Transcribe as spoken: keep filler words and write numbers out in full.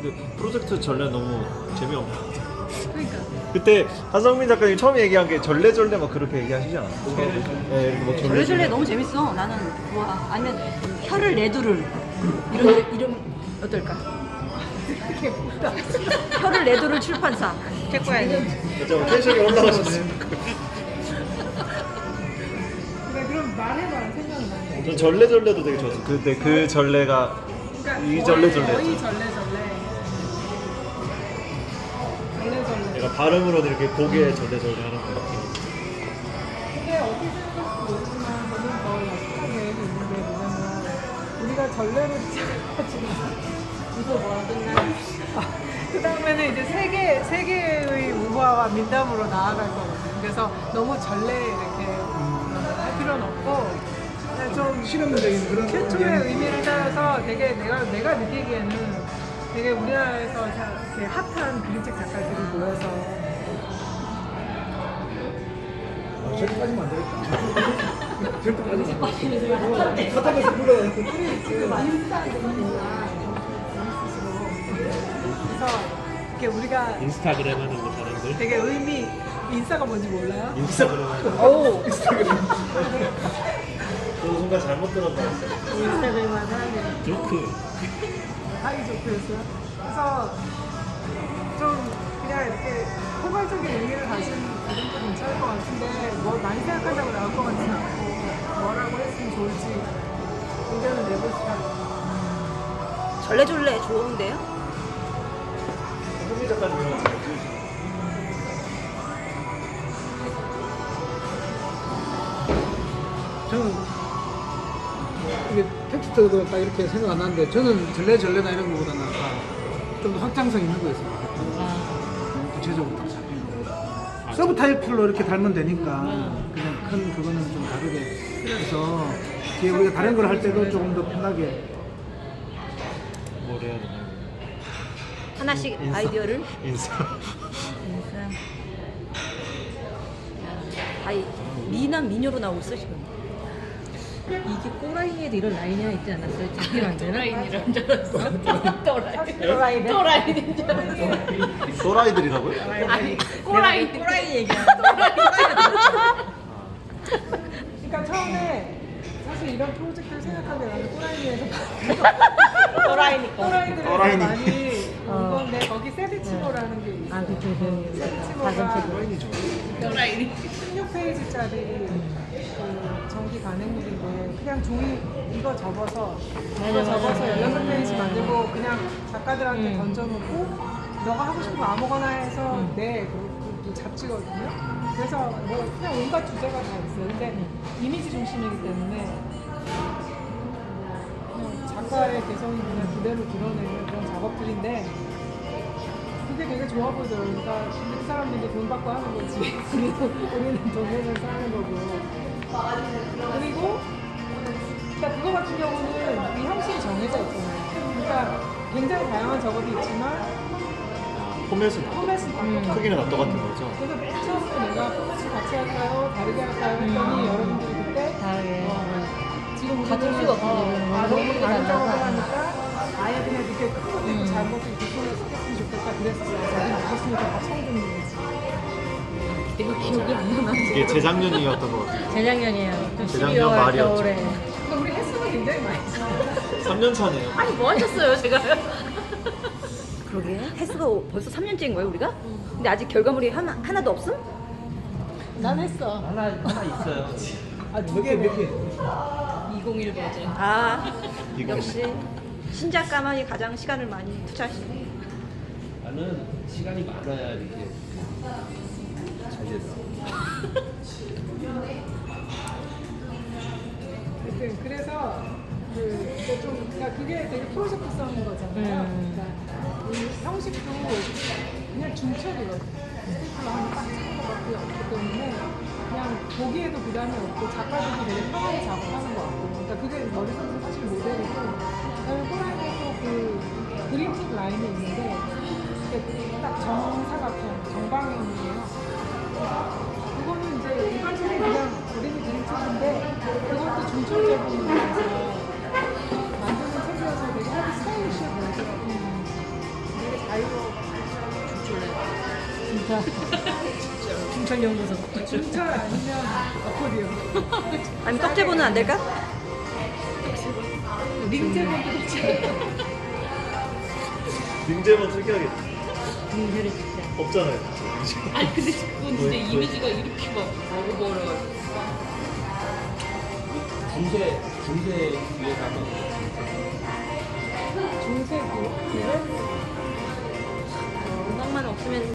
그 프로젝트 전래 너무 재미없는. 그러니까. 그때 한성민 작가님 처음 얘기한 게 절레절레 막 그렇게 얘기하시지 않았어요? 네, 뭐 절레절레. 절레절레 너무 재밌어. 나는 좋아. 아니면 혀를 내두를 이런 이름 어떨까? 혀를 내두를 출판사. 체코야지. 진짜 텐션이 올라가셨어요. 그래 그럼 말해봐 생각나. 전 절레절레도 되게 좋았어요. 근데 그 절레가 그러니까 이 절레절레. 거의 절레절레. 절레절레. 내가 발음으로는 이렇게 고개 절레절레 하는 거 같아요. 근데 어떻게 생각할지 모르지만 저는 더 약속한 계획이 있는 게 뭐냐면 우리가 전례를 시작해가지고 이거 뭐라 끝나? 그 다음에는 이제 세계 세계의 우화와 민담으로 나아갈 거거든요. 그래서 너무 전례 이렇게 할 필요는 없고 그냥 좀 실험적인 그런 최초의 의미를 따라서 되게 내가 내가 느끼기에는 되게 우리나라에서 자- 되게 핫한 그림책 작가들이 모여서 아, 절대 빠지면 안 되겠다. 절대 빠지면 안 되겠다. 핫하면서 불러요. 그래서 이렇게 우리가 인스타그램 하는 거 사람들. 되게 의미 인싸가 뭔지 몰라요? 인스타그램 하는 거. 오. 저 순간 잘못 들었나 했어요. 인스타그램만 하는 조크. 하기 좋겠어요. 그래서 좀 그냥 이렇게 포괄적인 의미를 가진 그림도 괜찮을 것 같은데 뭐 많이 생각한다고 나올 것 같지는 않고 뭐라고 했으면 좋을지 의견을 내보시라고. 절레절레 좋은데요? 한성민 작가님 이런 거 저는 이게 텍스트도 딱 이렇게 생각 안 나는데 저는 절레절레나 이런 거보다는 좀 더 확장성 있는 거였어요. 좀 구체적으로 딱 잡힌 거. 서브 타이틀로 이렇게 달면 되니까 그냥 큰 그거는 좀 다르게 그래서 뒤에 우리가 다른 걸 할 때도 조금 더 편하게 뭘 해야 되나? 하나씩 인사. 아이디어를. 인사. 아이 미남 미녀로 나오고 있어 지금. 이게 꼬라이에도 이런 라인이 있지 않았어요? 자기랑 또라이인 줄 알았어. 또라이. 또라이. 또라이인 줄 알았어. 또라이들이라고요? 아니, 꼬라이. 꼬라이 얘기야. 그러니까 처음에 사실 이런 프로젝트를 생각한 게 나는 꼬라이에서 또라이니까. 또라이들에서 또라이니. 많이 어. 이건데 거기 세비치모라는 게 있어. 아, 그쵸, 그 세비치모가 작은 책. 또라이. 십육 페이지짜리 그 정기 간행물인데 그냥 종이 이거 접어서 이거 접어서 열여섯 페이지 만들고 그냥 작가들한테 음. 던져놓고 너가 하고 싶은 거 아무거나 해서 내 그, 그 잡지거든요. 그래서 뭐 그냥 온갖 주제가 다 있어요. 근데 이미지 중심이기 때문에 그냥 작가의 개성이 그냥 그대로 드러내는 그런 작업들인데 그게 되게 좋아 보이더라고요. 그러니까 그 사람들도 돈 받고 하는 거지. 우리는, 우리는 돈 내면서 하는 거고. 그리고 그러니까 그거 같은 경우는 이 형식이 정해져 있잖아요. 그러니까 굉장히 다양한 작업이 있지만 포맷은 포맷은 다 똑같아요. 크기는 다 똑같은 거죠? 그래서 맨 처음에 내가 포맷을 같이 할까요? 다르게 할까요? 했더니 여러분들이 그때 다르게. 어, 지금 같을 우리는 수가 없어. 어, 아, 너무 다른 작업을 달라서. 하니까 아예 그냥 이렇게 큰 것도 있고 작은 것도 있고 손을 쓰겠으면 좋겠다 그랬었어요. 자기는 그랬으니까 다 처음 듣는 거지. 이거 기억이 안 나나? 이게 재작년이었던 것 같아요. 재작년이에요. 재작년 십이월 말이었죠. 겨울에. 그러니까 우리 횟수가 굉장히 많이 잖아요. 삼 년 차네요. 아니, 뭐 하셨어요, 제가? 그러게 횟수가 벌써 삼 년째인 거예요 우리가? 근데 아직 결과물이 하나, 하나도 없음? 난 했어. 하나 하나 있어요. 몇 개, 몇 개. 이천일 버전. 아 이거. 역시 신작가만이 가장 시간을 많이 투자하시네. 나는 시간이 많아야 이렇게 잘 되더라고. 하여튼 그래서 그 이제 좀 그러니까 그게 되게 프로젝트성인 거잖아요. 음. 그러니까 이 형식도 그냥 중첩이거든요. 스테이플러 하면 딱 찍는 것밖에 없기 때문에 그냥 보기에도 부담이 없고 작가들도 되게 편하게 작업하는 것 같고 그러니까 그게 머릿속에서 사실 모델이고 그다음에 호랑이에 또그 그림책 라인이 있는데 이게 딱 정사각형, 정방형이에요. 그래서 그거는 이제 일반적인 그냥 어린이 그림책인데 그것도 중첩 제품이라서 만드는 책이어서 되게 하기 스타일리시해 보이더라고요. 진짜. 춘천연구소. 중철 아니면 어코디언. 아니 떡제보는 안 될까? 링제본도 좋지. 링제만 특이하게 공세를 진짜. 없잖아요. 아니 근데 그건 진짜 이미지가 이렇게 막 먹어버려가지고. 중세 중세 위에 가면 중세기. 음악만 없으면